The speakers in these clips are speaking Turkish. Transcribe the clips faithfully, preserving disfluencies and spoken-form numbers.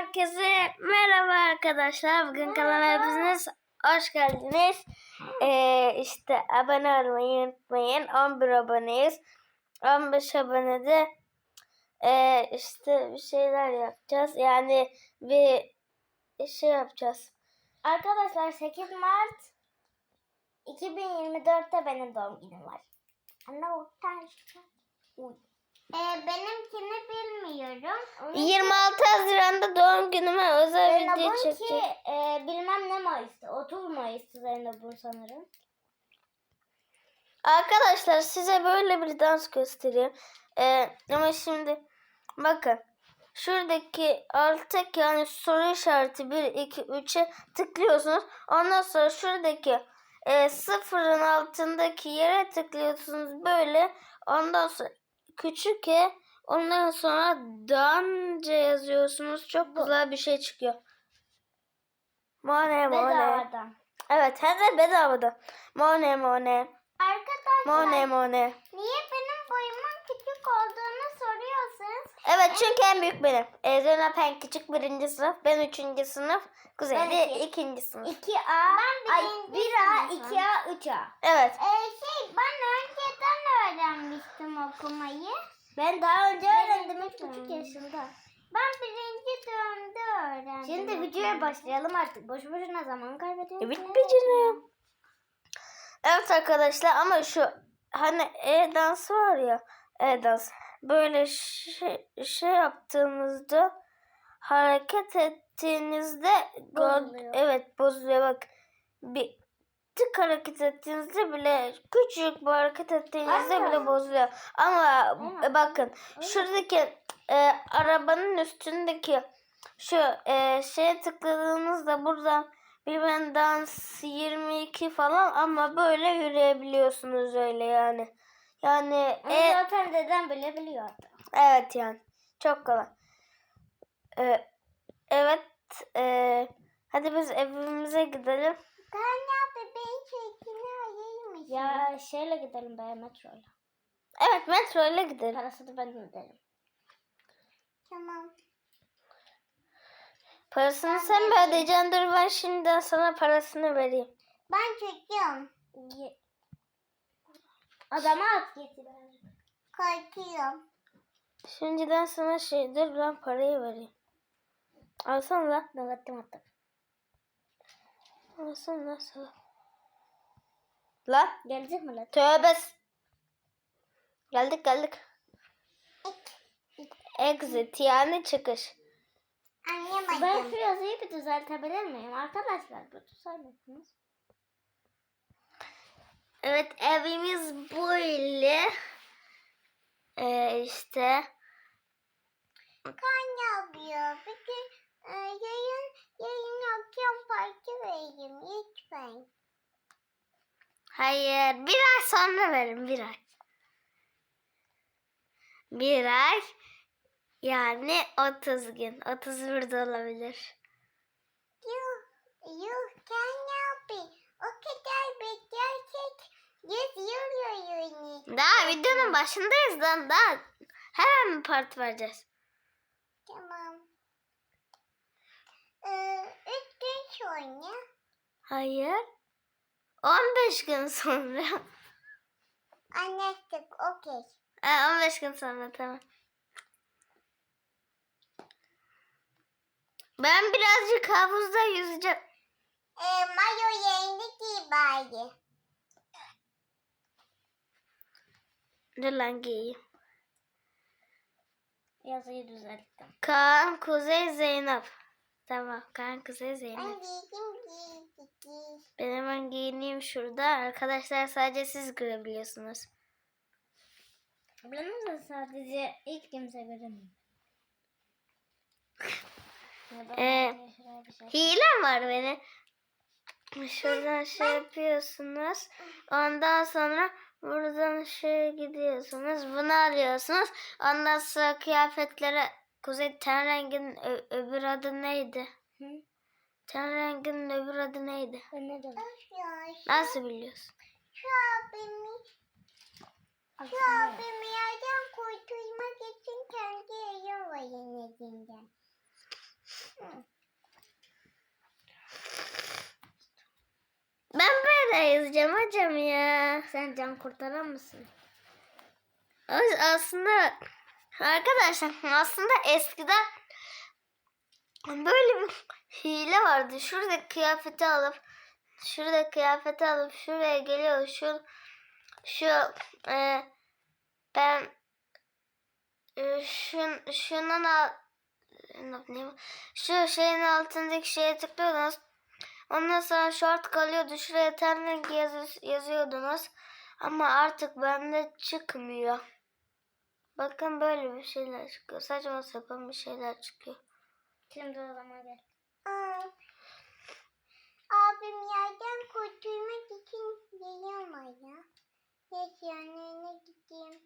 Herkese merhaba arkadaşlar. Bugün kanalıma hepiniz hoş geldiniz. Ee, işte abone olmayı unutmayın. on bir aboneyiz. on beş abonede ee, işte bir şeyler yapacağız. Yani bir şey yapacağız. Arkadaşlar sekiz Mart iki bin yirmi dörtte benim doğum günüm var. Anne utanç. Ee, benimkini bilmiyorum. Onunki, yirmi altı Haziran'da doğum günüme özel video Zeynep'inki çekeceğim. e, bilmem ne Mayıs'ta. otuz Mayıs'ta Zeynep'in sanırım. Arkadaşlar size böyle bir dans göstereyim. Ee, ama şimdi bakın. Şuradaki alttaki yani soru işareti bir, iki, üçe tıklıyorsunuz. Ondan sonra şuradaki e, sıfırın altındaki yere tıklıyorsunuz böyle. Ondan sonra küçük e ondan sonra danca yazıyorsunuz. Çok güzel bir şey çıkıyor. Mone mone. Bedavadan. Evet, hem de bedavada. Mone mone. Arkadaşlar Mone mone. niye benim boyumun küçük olduğunu soruyorsunuz? Evet, çünkü en büyük benim. E, Zeynep en küçük birinci sınıf. Ben üçüncü sınıf. Kuzey Ben de iki. ikinci sınıf. iki A, ay bir A, iki A, üç A. Evet. Ee, şey ben önceden öğrenmiştim okumayı. Ben daha önce öğrendim üç buçuk yaşında. Ben birinci dönemde öğrendim. Şimdi videoya başlayalım artık. Boşu boşuna zaman kaybediyoruz. Evet beceriyorum. Evet arkadaşlar, ama şu hani e-dans var ya, e-dans. Böyle şey, şey yaptığınızda, hareket ettiğinizde Bozuluyor. evet bozuluyor. Bak, bir tık hareket ettiğinizde bile, küçük bir hareket ettiğinizde Ama- bile bozuluyor. Ama Ama- e, bakın şuradaki e, arabanın üstündeki şu e, şeye tıkladığınızda buradan bilmem dans yirmi iki falan, ama böyle yürüyebiliyorsunuz öyle yani. Yani Onu e, zaten dedem bile biliyordu. evet yani çok kolay. E, evet e, hadi biz evimize gidelim. Kanya bebeğin çekini ayıymış. Ya şeyle gidelim be, metroyla. Evet, metro ile gidelim. Parasını ben öderim. Tamam. Parasını Ben sen mi vereyim. ödeyeceksin? Dur, ben şimdiden sana parasını vereyim. Ben çekiyorum. Adama at getir. Korkuyorum. Şimdiden sana şey, dur ben parayı vereyim. Alsana lan. Ben attım attım. Alsana lan sana. Lan. Gelecek mi lan? Tövbe. Geldik geldik. Exit yani çıkış. Anlayamadım. Ben şu yazıyı bir düzeltebilir miyim? Arkadaşlar bu düzeltmesiniz. Evet, evimiz böyle. Ee, işte. Kan yapıyor. Peki e, yayın, yayın akşam parti vereyim lütfen. Hayır, bir ay sonra verin, bir ay. Bir ay. Yani otuz gün. otuz bir de olabilir. Yuh, yuh kan yapıyor. O kadar beklersek yüz yıl yayını. Daha videonun başındayız lan, daha hemen mi parti vereceğiz? Tamam. Ee, üç gün sonra. Hayır. on beş gün sonra. Anlaştık, okey. Ha, on beş gün sonra, tamam. Ben birazcık havuzda yüzeceğim. Ee, mayo yerini giy bari. Dur lan, giyeyim. Yazıyı düzelttim. Kaan, Kuzey, Zeynep. Tamam, Kaan, Kuzey, Ben Zeynep. giydim giy giy. Ben hemen giyineyim şurada. Arkadaşlar, sadece siz görebiliyorsunuz. Benim de sadece ilk kimse göremiyor. Ee, Hilem var benim. Şuradan şey yapıyorsunuz. Ondan sonra buradan şey gidiyorsunuz. Bunu alıyorsunuz. Ondan sonra kıyafetlere, Kuzey, ten renginin ö- öbür adı neydi? Hı? Ten renginin öbür adı neydi? Ben ne dedim? Nasıl biliyorsun? Şu abimi, şu abimi yerden kurtulmak için kendi yayın var yeniden. kurtaracağım hocam ya. Sen can kurtaran mısın? As- Aslında arkadaşlar aslında eskiden böyle bir hile vardı. Şurada kıyafeti alıp şurada kıyafeti alıp şuraya geliyor. Şu şu e, ben e, şun, şunun al, ne- şu şeyin altındaki şeye tıklıyordunuz. Ondan sonra short kalıyordu. Şuraya terlik yaz, yazıyordunuz. Ama artık bende çıkmıyor. Bakın böyle bir şeyler çıkıyor. Saçma sapan bir şeyler çıkıyor. Şimdi o zaman gel. Aa, abim yerden kurtulmak için geliyor mu ya? Geç yanına gideyim.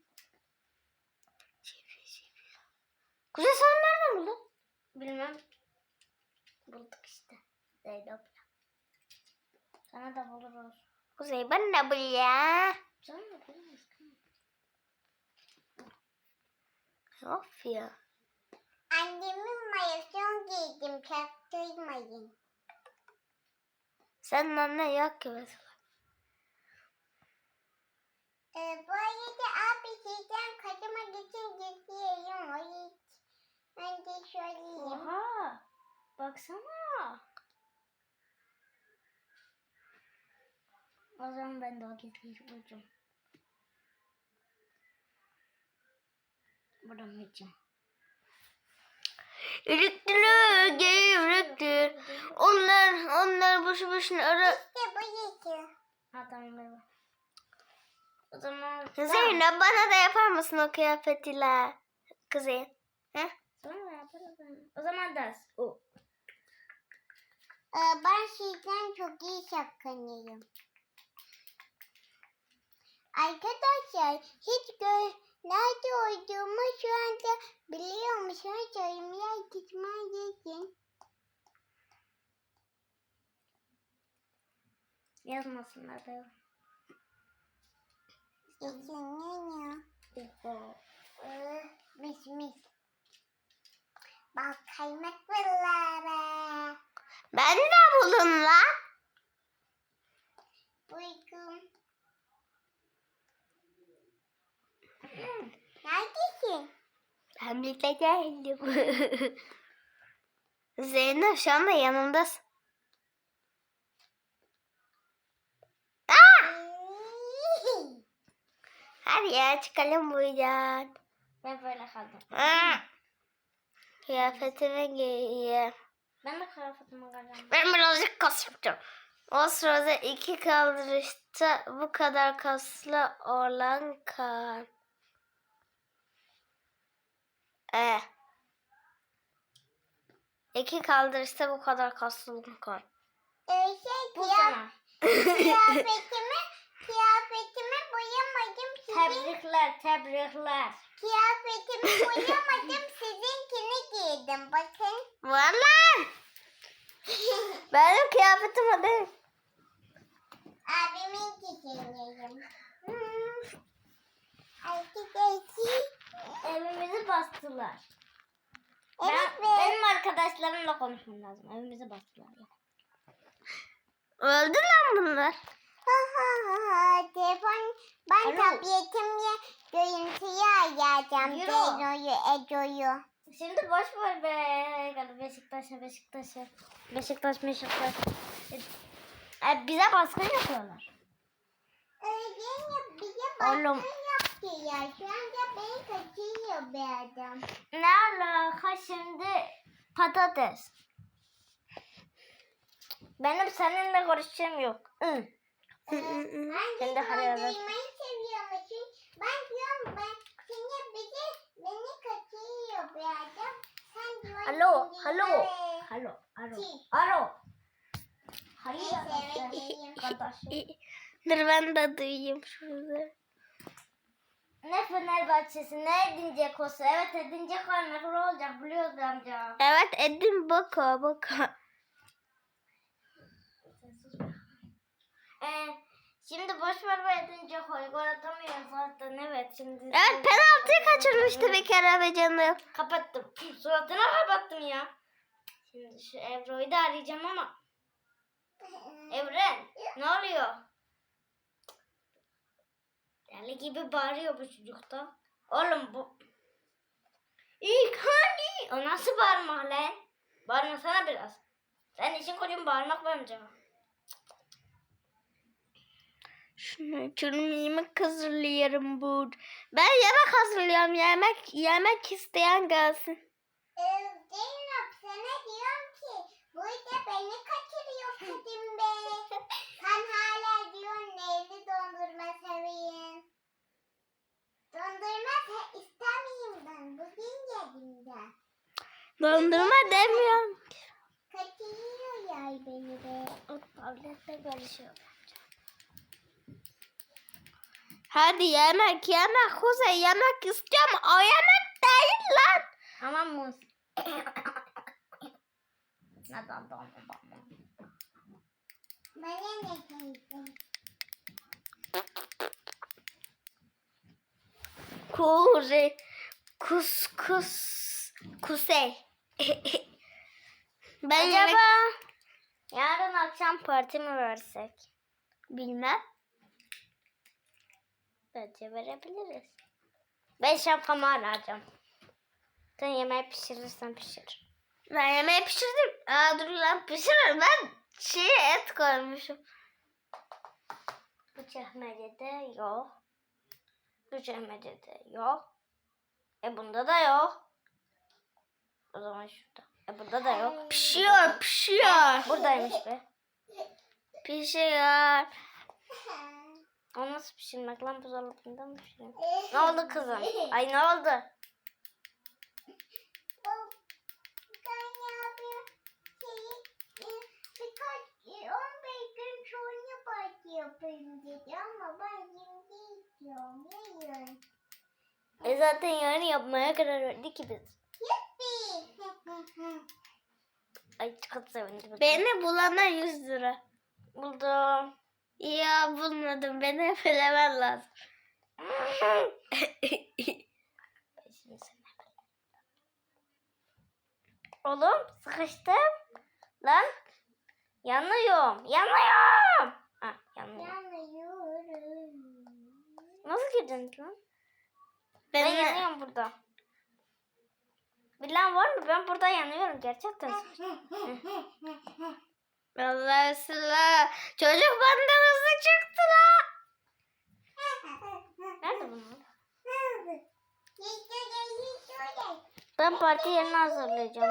Kuzey sen nereden buldun? Bilmem. Bulduk işte. Zeynep. Sana da buluruz. Kuzey ben ne bul ya? Sana da buluruz. Of ya. Annemin mayasını giydim. Çaktırmayın. Senin annen yok ki mesela. Ee, bu arada abi şeyden kaçmak için gidiyorum. O hiç. Ben de söyleyeyim. Oha. Baksana. O zaman ben de o gizliyi bulacağım. Buradan gideceğim. Ürüktülü, gevrüktür. Onlar, onlar boşu boşuna ara... İşte bu yeşil. Ha tamam merhaba. O zaman... Zeynep bana da yapar mısın o kıyafetiyle? Kuzey. He? Sonra yaparım. O zaman ders. O. Ee, ben şeyden çok iyi şapkanıyım. Arkadaşlar hiç gör nerede olduğumu şu anda biliyor musunuz? Yorumlar gitmem için. Yazmasınlar da. Yazın ya. Mis mis. Bak kaymak buralara. Ben de bulun lan. Uykum. Neredesin? Ben birlikte geldim. Zeynep şu anda yanımdasın. Hadi ya çıkalım buradan. Ben böyle kaldım. Aa, kıyafetimi giyeyim. Ben de kıyafetimi kalacağım. Ben birazcık kas yapacağım. O sırada iki kaldırışta bu kadar kaslı olan kan. Ee, iki kaldırışta bu kadar kaslı olan kan. Ee, şey, bu sana. Kıyafetimi, kıyafetimi boyamadım. Sizin... Tebrikler, tebrikler. Kıyafetimi boyamadım. Sizinkini giydim. Bakın. Vallahi. Benim kıyafetim o değil. Abimin giydim. Hmm. Arkadaşlar. Evimizi bastılar. Evet, ben, benim arkadaşlarımla konuşmam lazım. Evimizi bastılar. Öldü lan bunlar. Ha ha ha. Telefon, ben Alo. tabletimle görüntüyü ayarlayacağım. Zeyno'yu, Eco'yu. Şimdi boş ver be. Beşiktaş'a, Beşiktaş'a. Beşiktaş, Beşiktaş. E, bize baskın yapıyorlar. Öyle bize baskın Oğlum. yapıyorlar. Şu anda beni kaçırıyor bir adam. Ne alaka şimdi? Patates. Benim seninle konuşacağım yok. Hı. Sen de haraya ver. Duymayı seviyormuşsun. Ben diyorum ben seni bize beni kaçırıyor bir adam. Sen diyorsun. Alo, alo. Alo, alo. Alo. Hayır kardeşim. Dur ben de duyayım şurada. Ne Fenerbahçesi ne Edin Dzeko'su. Evet Edin Dzeko ne olacak biliyoruz amca. Evet Edin Boko Boko. Ee, şimdi boş ver ve Edin Dzeko'yu gol atamıyor zaten evet şimdi. Evet penaltıyı kaçırmıştı bir kere be canım. Kapattım. Suratına kapattım ya. Şimdi şu Ebru'yu da arayacağım ama. Evren ne oluyor? Deli gibi bağırıyor bu çocuk da. Oğlum bu. İlk hani? O nasıl bağırmak lan? Bağırmasana biraz. Sen için kocuğun bağırmak bence. Şunu canım yemek hazırlıyorum bu. Ben yemek hazırlıyorum. Yemek yemek isteyen gelsin. Zeynep sana diyorum ki burada beni kaçırıyor Kadim Bey. Sen hala diyorsun neyli dondurma seveyim. Dondurma da istemeyeyim ben. Bugün yedim de. Dondurma demiyorum. Kaçırıyor ya beni de. O tablette görüşüyor. Hadi yemek yemek Kuzey yemek istiyorum. O yemek değil lan. Ama muz. Neden dondurma? Bana ne sevdin? Kuzey. Kus kus. Kuzey. Ben Acaba yemek... yarın akşam parti mi versek? Bilmem. Bence verebiliriz. Ben şapkamı arayacağım. Sen yemeği pişirirsen pişir. Ben yemeği pişirdim. Aa dur lan pişirir. Ben şeye et koymuşum. Bu çekmecede yok. Bu çekmecede yok. E bunda da yok. O zaman şurada. E burada da yok. Pişiyor pişiyor. Buradaymış be. Pişiyor. O nasıl pişirmek lan, buzdolabında mı pişiriyor? Ne oldu kızım? Ay ne oldu? yapayım dedi ama ben şimdi istiyorum. Yarın. E zaten yarın yapmaya karar verdik ki biz. Yuppi. Ay çok sevindim. Beni bulana yüz lira. Buldum. Ya bulmadım. Beni bilemen lazım. Oğlum sıkıştım. Lan. Yanıyorum. Yanıyorum. Ha yanıyorum. Yanıyorum. Nasıl girdin lan? Ben, Ben yanıyorum burada. Bilen var mı? Ben burada yanıyorum gerçekten. Vallahi sıla. Çocuk benden hızlı çıktı la. Nerede bunlar? Şöyle. Ben parti yerini hazırlayacağım.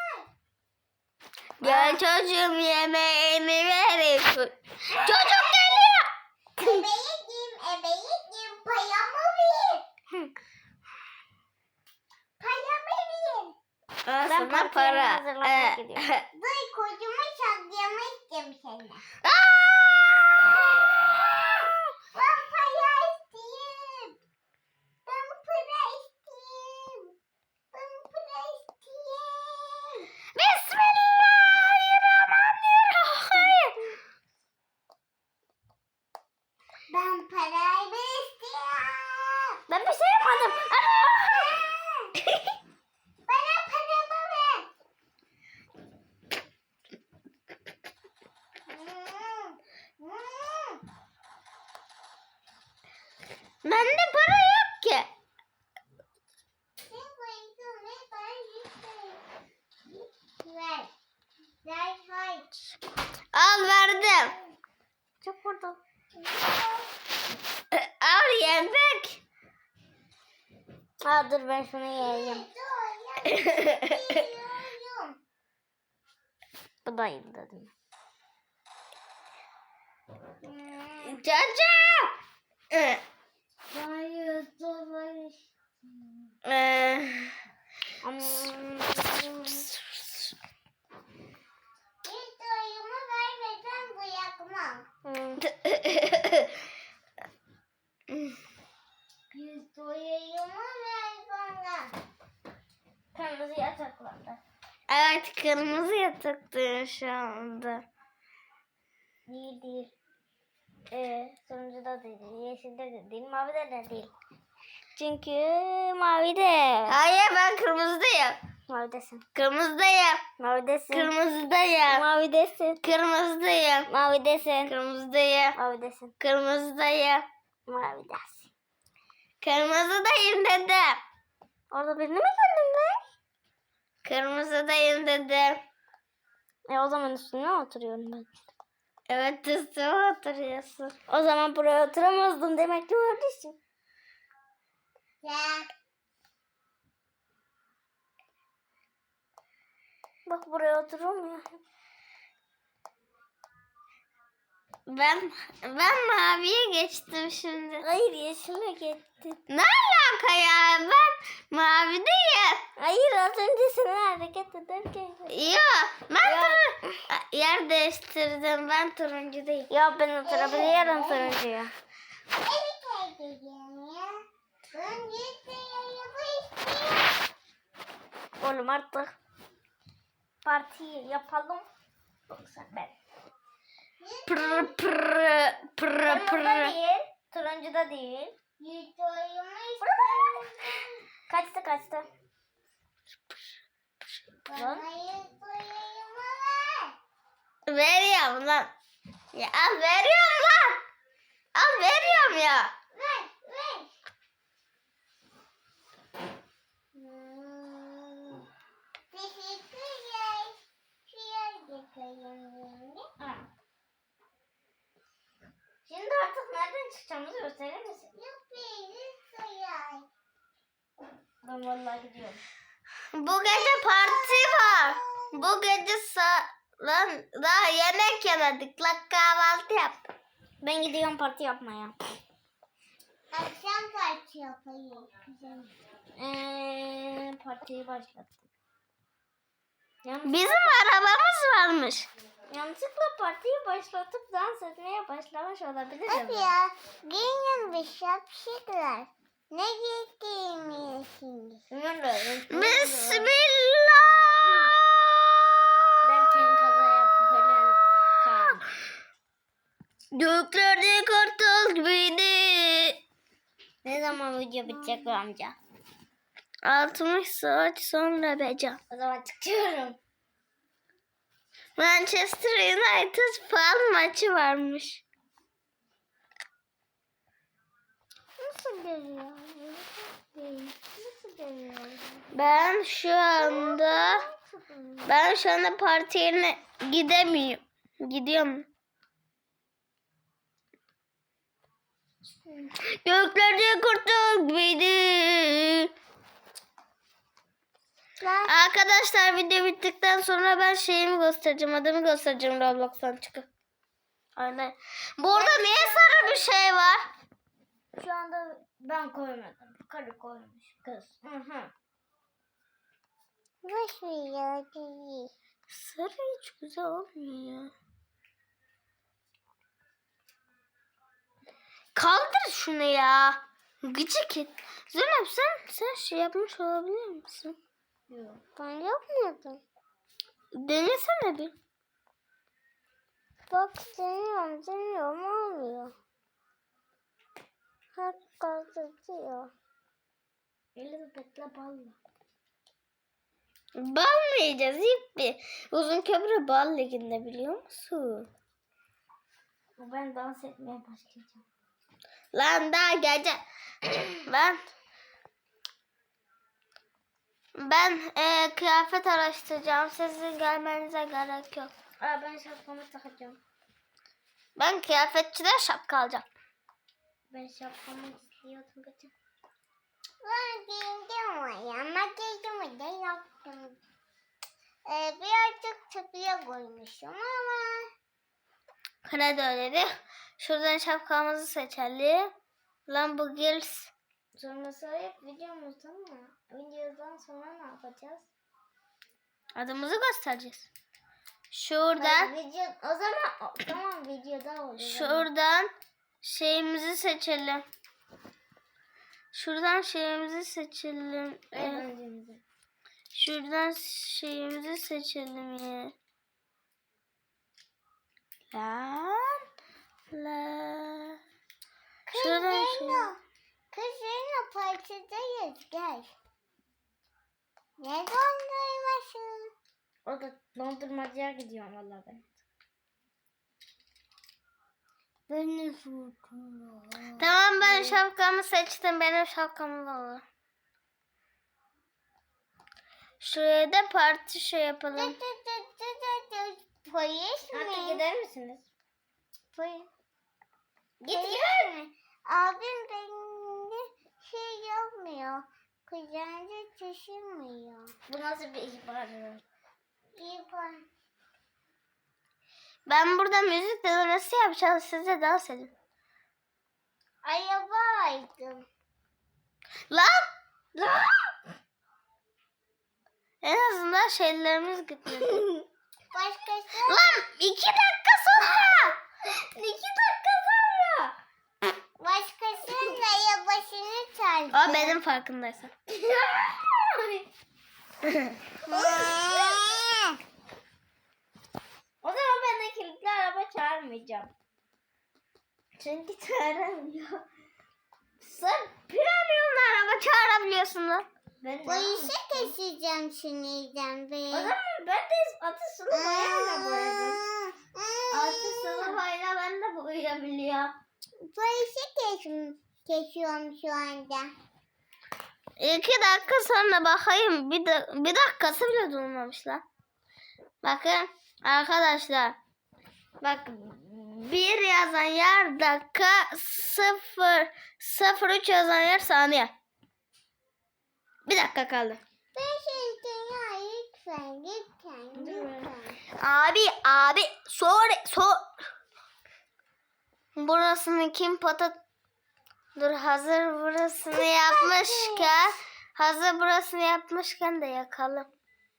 Gel çocuğum yemeğini verin. Çocuk geliyor. Ebeyim, ebeyim, payamı ver. Payamı ver. Al Ben sana partiyi para. hazırlamaya Ee, gidiyorum. Dur kocumu şaklamak istiyorum senden. Ben para isteyeyim. Ben para isteyeyim. Ben para isteyeyim. Bismillahirrahmanirrahim. Ben parayı istiyorum. Ben bir şey yapmadım. Bana paramı ver. Bende para yok ki. Ver. Ver hay. Al verdim. Çok vurdum. Al yemek. Aa, dur ben şunu yiyeyim. Bu da iyi dedim. Çocuğum. Ee, Hayır, dolayı. ee, Bir doyumu vermeden bırakmam. Bir doyumu ver bana. Kırmızı yataklarda. Evet kırmızı yatakta şu anda. Değil değil. Ee, sonuncuda da değil. Yeşilde de değil. Mavide de değil. Çünkü mavide. Hayır ben kırmızıdayım. Mavidesin. Kırmızıdayım. Mavidesin. Kırmızıdayım. Mavidesin. Kırmızıdayım. Mavidesin. Kırmızıdayım. Mavidesin. Kırmızıdayım. Mavidesin. Kırmızıdayım dedim. Orada birini mi gördün be? Kırmızıdayım dedim. E o zaman üstüne oturuyorum ben. Evet üstüme oturuyorsun. O zaman buraya oturamazdın demek ki kardeşim. Ya. Bak buraya oturamıyor. Ben ben maviye geçtim şimdi. Hayır yeşile gittin. Ne alaka ya? Ben mavideyim. Hayır az önce seni hareket ederken. Yok. Ben Ya. tur- yer değiştirdim. Ben turuncudayım. Ya ben oturabiliyorum turuncuya. Evet edeceğim ya. Ben yiyeceğim istiyorum. Oğlum artık partiyi yapalım. Yoksa ben. Pır pır pır Kırmızıda pır. değil, turuncuda değil. Yiyeceğim istiyorum. Kaçtı kaçtı. Bana yiyeceğim var. Veriyorum lan. Ya al veriyorum lan. Al veriyorum ya. Ver, ver. Teşekkürler. Şuraya geçelim. Şimdi artık nereden çıkacağımızı gösterir misin? Yok beni sayar. Ben vallahi gidiyorum. Bu gece parti var. Bu gece sa lan daha yemek yemedik. Lan kahvaltı yap. Ben gidiyorum parti yapmaya. Akşam parti yapayım. Güzel. Ee, partiyi başlattım. Yanlış, Bizim arabamız varmış. yanlışlıkla partiyi başlatıp dans etmeye başlamış olabilirim. Hadi ya. Giyin bir şapşikler. Ne giydiğimi şimdi? Bilmiyorum. Bismillah. Derken kaza yapıp ölen kan. Göklerde kartal gibiydi. Ne zaman video bitecek bu amca? altmış saat sonra becan. O zaman çıkıyorum. Manchester United falan maçı varmış. Nasıl geliyor? Nasıl geliyor? Ben şu anda ben şu anda parti yerine gidemiyorum. Gidiyorum. Göklerde kartal gibiydi. Arkadaşlar video bittikten sonra ben şeyimi göstereceğim. Adımı göstereceğim Roblox'tan çıkıp. Aynen. Burada niye sarı bir şey var? Şu anda ben koymadım. Karı koymuş kız. Hı hı. Boş ver ya. Değil. Sarı hiç güzel olmuyor ya. Kaldır şunu ya. Gıcık et. Zeynep sen, sen şey yapmış olabilir misin? Yok. Ben yapmadım. Denesene bir. Bak deniyorum deniyorum olmuyor. Hatta tutuyor. Elizabeth'le balla. Bal mı yiyeceğiz? Yippi. Uzun köprü bal liginde biliyor musun? Ben dans etmeye başlayacağım. Lan daha gece. ben ben e, kıyafet araştıracağım. Sizin gelmenize gerek yok. Aa, ben şapkamı takacağım. Ben kıyafetçiden şapka alacağım. Ben şapkamı istiyordum geçen. Ben giyindim oraya ama giydim de yaptım. Ee, birazcık tıkıya koymuşum ama. Kredi ödedi. Şuradan şapkamızı seçelim. Lan bu gels. Sonra hep videomuzda mı? Videodan sonra ne yapacağız? Adımızı göstereceğiz. Şuradan. Video, o zaman o, tamam videoda olur. Şuradan şeyimizi seçelim. Şuradan şeyimizi seçelim. Ee, Eğlencemizi. şuradan şeyimizi seçelim ya. Lan. La. Şuradan şey. Kızlarla partidayız gel. Ne dondurmasın? O da dondurmacıya gidiyorum valla ben. Beni tutun. Tamam ben şapkamı seçtim. Benim şapkamı olur. Şuraya da parti şey yapalım. Polis mi? Artık gider misiniz? Polis. Gidiyor. mi? Abim benimle şey yapmıyor. Kucağınca taşımıyor. Bu nasıl bir ihbar? İyi. Ben burada müzik denemesi yapacağım. Siz de dans edin. Arabaydım. Lan! Lan! En azından şeylerimiz gitmedi. Başkası. Lan iki dakika sonra! İki dakika sonra! Başkasının arabasını çaldı. O benim farkındaysan. O zaman ben de kilitli araba çağırmayacağım. Çünkü çağıramıyor. Sen premiumlu araba çağırabiliyorsun lan. Ben Polise keseceğim sinirden be. O zaman ben de atı sulu boyayla boyadım. Atı sulu boyayla ben de boyayabiliyorum. Polise kes kesiyorum şu anda. İki dakika sonra bakayım. Bir, da, bir dakikası bile durmamış lan. Bakın arkadaşlar. Bak bir yazan yer dakika sıfır sıfır üç yazan yer saniye. Bir dakika kaldı. Ben şeyden ya lütfen lütfen lütfen. Abi abi sor sor. Burasını kim patat? Dur hazır burasını yapmışken hazır burasını yapmışken de yakalım.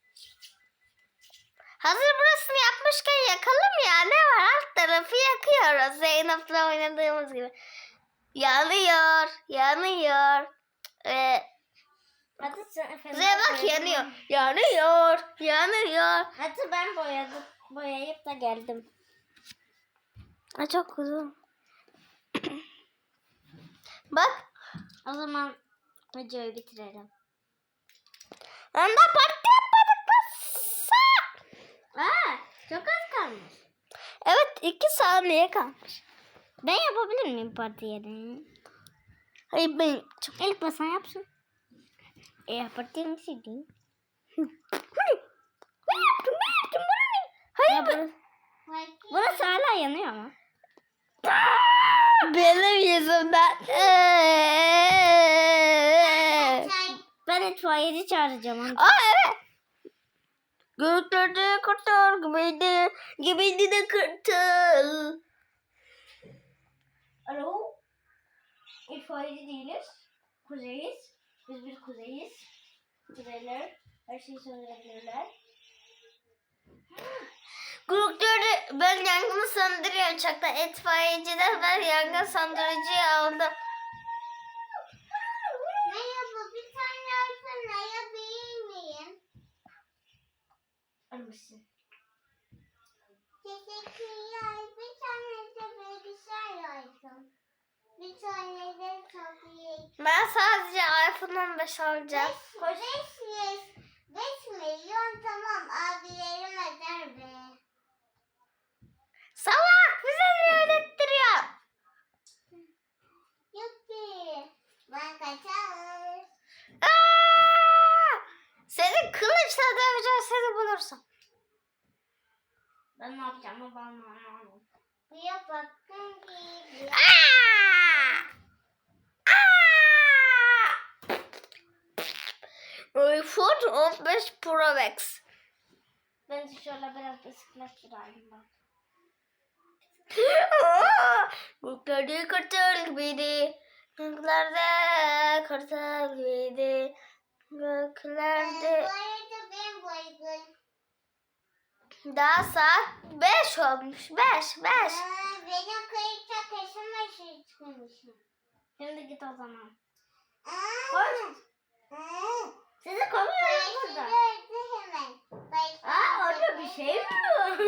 Hazır burasını yapmışken yakalım ya. Ne var? Alt tarafı yakıyoruz. Zeynep'le oynadığımız gibi. Yanıyor. Yanıyor. Ee, Kuzeye bak yanıyor. Yanıyor. Yanıyor. Hatta ben boyadım. Boyayıp da geldim. Ay çok uzun. Bak. O zaman videoyu bitirelim. Onda parti yapmadık mı? Aa, çok az kalmış. Evet iki saniye kalmış. Ben yapabilir miyim parti yerini? Hayır ben çok... İlk basan yapsın. E yaptım mı sildim? Hayır. Ben yaptım ben yaptım. Bana ne? Hayır ben... Burası hala yanıyor ama. Benim yüzümden. Ben itfaiyeci çağıracağım. Onu. Aa evet. Göklerde kurtar gibiydi. Gibiydi de kurtar. Alo. İtfaiyeci değiliz. Kuzeyiz. Biz bir kuzeyiz. Kuzeyler her şeyi söndürebilirler. Göklerde ben yangını söndürüyorum. Çakta itfaiyeciden ben yangın söndürücüyü aldım. Merhaba, bir tane alsın ayabilir miyim? Almışsın. Teşekkürler. Bir tane de bilgisayar alsın. Bir tane de tabii. Ben sadece iPhone on beş alacağım. Beş, beş, beş milyon tamam abilerim eder be. Salak bize ne öğrettiriyor? Yok ki. Ben kaçar. Aa! Seni kılıçla döveceğim seni bulursam. Ben ne yapacağım bana anlamadım. Buraya bakın gibi. Aa! Aa! iPhone on beş Pro Max. Ben de şöyle biraz bisiklet süreyim bak. Göklerde kartal gibiydi. Göklerde kartal gibiydi. Göklerde... Bu arada ben baygın. Daha saat beş olmuş. beş, beş. Aa, benim kayıtta kaşıma şey çıkmışım. Şimdi git o zaman. Koş. Sizi kovuyorum burada. Hemen. Aa orada bir şey mi var?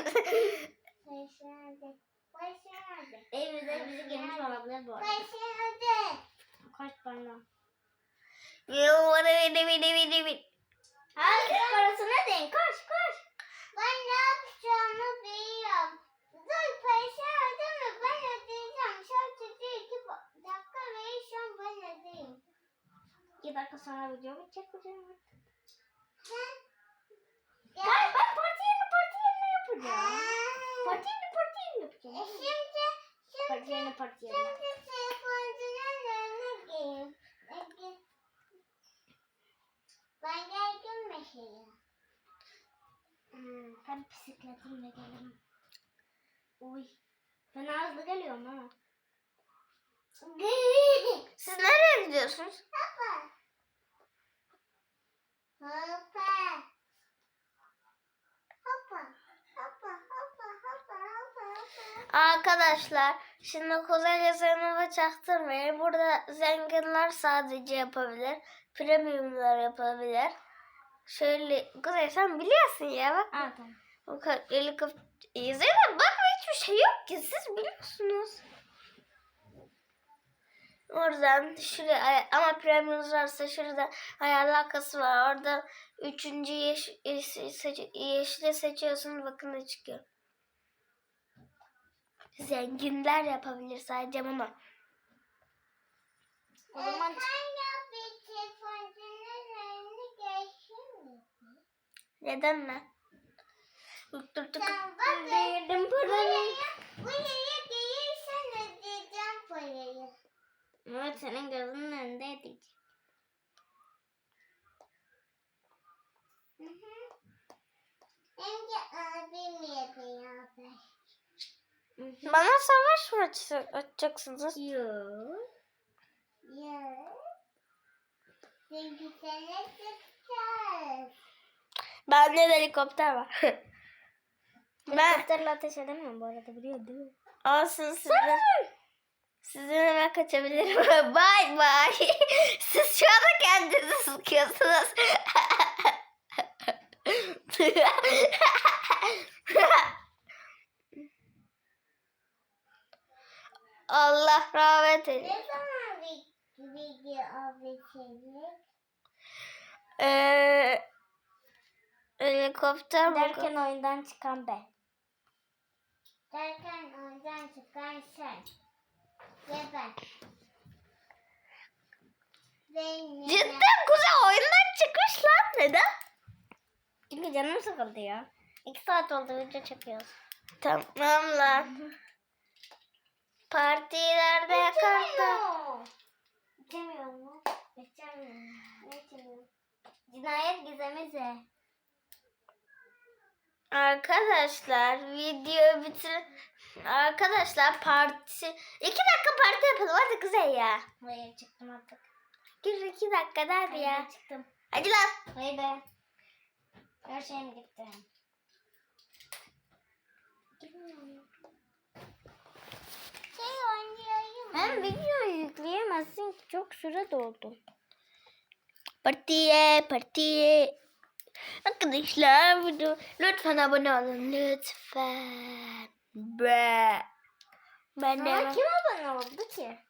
Evimizde bizi gelmiş olabilir bu arada. Koş bana. You wanna be be be be be. Hadi parasına deyin. Koş koş. Ben ne yapacağımı biliyorum. Dur paşa ödeme. Ben Sonra videomu çekeceğim. Ben, ben parti yerini parti yerini yapacağım. Parti yerini parti yerini yapacağım. Şimdi, Parti yerini parti yerini. şimdi telefoncuların önüne geleyim. Ben geldim mesela. Hmm, ben bisikletimle gelirim. Uy. Ben hızlı geliyorum ha. Siz nereye gidiyorsunuz? Hoppa. Hoppa. Hoppa. Hoppa. Hoppa. Hoppa. Hoppa. Hoppa. Arkadaşlar şimdi Kuzey Zeynep'e çaktırmayın. Burada zenginler sadece yapabilir. Premiumlar yapabilir. Şöyle Kuzey sen biliyorsun ya bak. Ha tamam. O kadar helikopter. Zeynep bakma hiçbir şey yok ki siz biliyorsunuz. Oradan şuraya ay- ama premium varsa şurada ayarlar kası var. Orada üçüncü yeş, yeş, seç, yeşili seçiyorsun bakın ne çıkıyor. Zenginler yapabilir sadece bunu. O zaman Sen yap bir telefoncuların önüne gelsin mi? Neden mi? Dur dur dur. Sen bak. verdim parayı. Buraya gelirsen ödeyeceğim parayı. Evet senin gözünün önünde edeceğim. Hı hı. Önce abim yapıyor abi. Bana savaş mı aç- açacaksınız? Yok. Ya. Çünkü sana çıkacağız. Bende de helikopter var. ben Helikopterle ateş edemem bu arada biliyor değil mi? olsun sizin. Sizin hemen kaçabilirim. Bay bay. Siz şu anda kendinizi sıkıyorsunuz. Allah rahmet eylesin. Ne zaman bir video abi çekecek? Ee, helikopter mi? Derken oyundan çıkan ben. Derken oradan çıkan sen. Ve ben. Benim. Cidden Kuzey oyundan çıkmış lan. Neden? Çünkü canım sıkıldı ya. İki saat oldu video çekiyoruz. Tamam lan. Partilerde yakardı. İçemiyor mu? İçemiyorum. Ne içemiyorum? Cinayet gizemize. Arkadaşlar video bitir. Arkadaşlar parti. iki dakika parti yapalım hadi Kuzey ya. Hayır çıktım artık. Gir iki dakika hadi Hayır ya. çıktım. Hadi lan. Hayır be. Her şeyim gitti. Şey oynayayım. Hem videoyu yükleyemezsin ki çok süre doldu. Partiye partiye. Arkadaşlar video lütfen abone olun lütfen. Be. Ben de Ama kim abone oldu ki?